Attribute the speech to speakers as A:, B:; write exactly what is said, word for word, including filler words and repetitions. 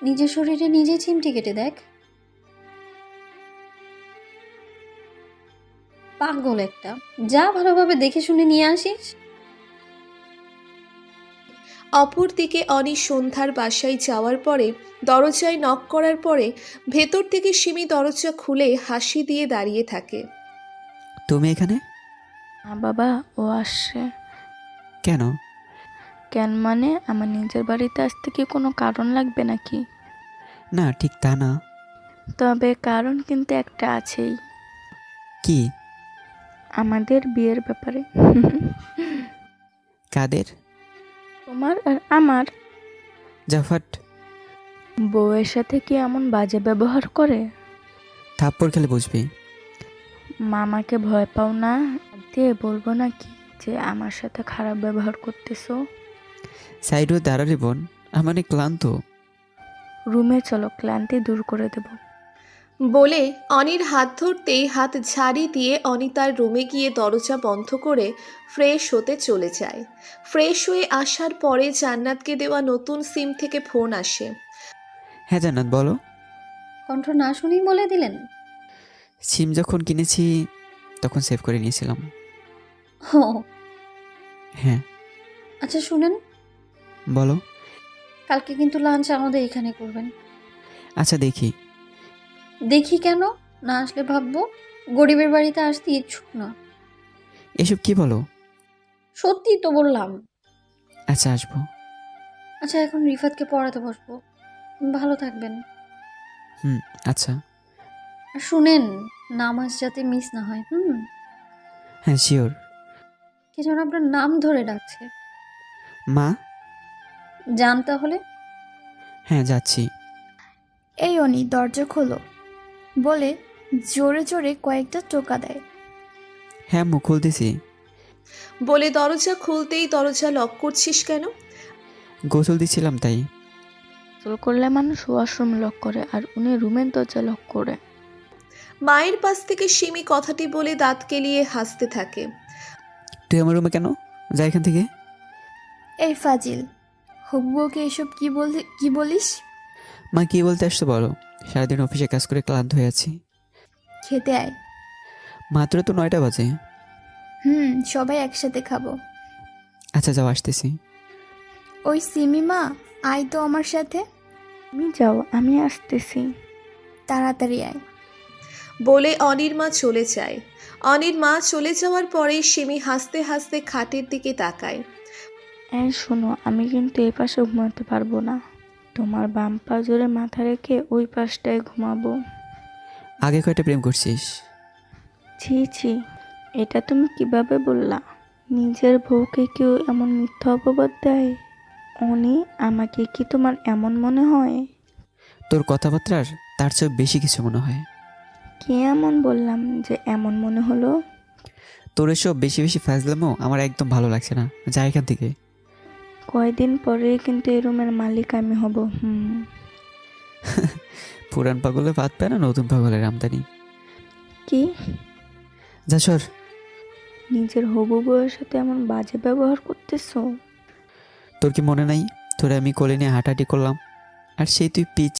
A: নিজের শরীরে নিজে চিমটি কেটে দেখ। পাগল একটা, যা ভালোভাবে দেখে শুনে নিয়ে আসিস।
B: অপরদিকে অনি সন্ধ্যার বাসায় যাওয়ার পরে দরজায় নক করার পরে ভেতর থেকে সিমি দরজা খুলে হাসি দিয়ে দাঁড়িয়ে থাকে।
C: তুমি এখানে?
D: না বাবা, ও আসছে।
C: কেন?
D: কেন মানে আমার নিজের বাড়িতে আসতে কি কোনো কারণ লাগবে নাকি?
C: না, ঠিক তা না।
D: তবে কারণ কিন্তু একটা আছেই,
C: কি?
D: আমাদের বিয়ের ব্যাপারে।
C: কাদের?
D: তোমার আর আমার।
C: জাফাট।
D: বউয়ের সাথে কি এমন বাজে ব্যবহার করে?
C: থাপ্পড় খেলে বুঝবি।
D: মামাকে ভয় পাও না? দিয়ে বলবো নাকি যে আমার সাথে খারাপ ব্যবহার করতেছো?
C: সাইড হয়ে দাঁড়ালে বোন, আমি অনেক ক্লান্ত।
D: রুমে চলো, ক্লান্তি দূর করে দেব।
B: বলে অনির হাত ধরতেই হাত ঝাড়ি দিয়ে অনি তার রুমে গিয়ে দরজা বন্ধ করে ফ্রেশ হতে চলে যায়। ফ্রেশ হয়ে আসার পরে জান্নাতকে দেওয়া নতুন সিম থেকে ফোন আসে।
C: হ্যাঁ জান্নাত, বলো।
A: কণ্ঠ না শুনেই বলে দিলেন?
C: সিম যখন কিনেছি তখন সেভ করে নিয়েছিলাম।
A: ও
C: হ্যাঁ।
A: আচ্ছা শুনেন,
C: বলো।
A: কালকে কিন্তু লাঞ্চ আমাদের এখানে করবেন।
C: আচ্ছা দেখি।
A: দেখি কেন? না আসলে ভাববো গরিবের বাড়িতে আসতে ইচ্ছুক না।
C: এসব কি বলো?
A: সত্যি তো বললাম।
C: আচ্ছা আসবো।
A: আচ্ছা এখন রিফাতকে পড়াতে বসবো। ভালো থাকবেন।
C: হুম। আচ্ছা।
A: আর শুনেন, নামাজ যাতে মিস না হয়। হুম।
C: হ্যাঁ শিওর।
A: কে যেন আপনার নাম ধরে ডাকছে।
C: মা।
A: যান তাহলে।
C: হ্যাঁ যাচ্ছি।
E: এই অনি, দরজা খোলো বলে জোরে জোরে কয়েকটা টোকা দেয়।
C: হ্যাঁ মুখ খুলতেছি।
B: বলে দরজা খুলতেই দরজা লক করছিস কেন?
C: গোসল দিচ্ছিলাম তাই।
D: গোসল করলে মানুষ ওয়াশরুম লক করে, আর উনি রুমের দরজা লক করে।
B: মায়ের পাশ থেকে সিমি কথাটি বলে দাঁত কেলিয়ে হাসতে থাকে।
C: তুই আমার রুমে কেন? যা এখান থেকে।
E: এই ফাজিল, হুব্বুকে এসব কি বলি কি বলিস?
C: মা কি বলতে আসছো বলো। সারাদিন অফিসে কাজ করে ক্লান্ত হয়ে আছি।
E: খেতে আয়।
C: মাত্র তো নয়টা বাজে।
E: হুম, সবাই একসাথে খাবো।
C: আচ্ছা যাও, আসতেছি।
E: ওই সিমিমা, আয় তো আমার সাথে।
D: তুমি যাও, আমি আসতেছি।
E: তাড়াতাড়ি আয়।
B: বলে অনির মা চলে যায়। অনির মা চলে যাওয়ার পরে সিমি হাসতে হাসতে খাটের দিকে তাকায়।
D: এই শোনো, আমি কিন্তু এই পাশে ঘুমাতে পারবো না। তোমার বাম পা জোরে মাথা রেখে ওই পাশটায় ঘুমাবো।
C: আগে কয়টা প্রেম করছিস?
D: ছি ছি, এটা তুমি কিভাবে বললা? নিজের বউকে কেউ এমন মিথ্যা অপবাদ দেয়? অনি, আমাকে কি তোমার এমন মনে হয়?
C: তোর কথাবার্তার তার চেয়ে বেশি কিছু মনে হয়।
D: কে এমন বললাম যে এমন মনে হলো?
C: তোর এসব বেশি বেশি ফাজলামো আমার একদম ভালো লাগছে না। যা এখান থেকে।
D: কয়দিন পরেই কিন্তু এই রুমের মালিক আমি হব। হুম।
C: পুরান পাগলে ভাত পায় না নতুন পাগলের আমদানি।
D: কি?
C: যা সর।
D: নিজের হবু বউয়ের সাথে এমন বাজে ব্যবহার করতেছো?
C: তোর কি মনে নাই তোরে আমি কোলে নিয়ে হাঁটাহাঁটি করলাম, আর সেই তুই পিচ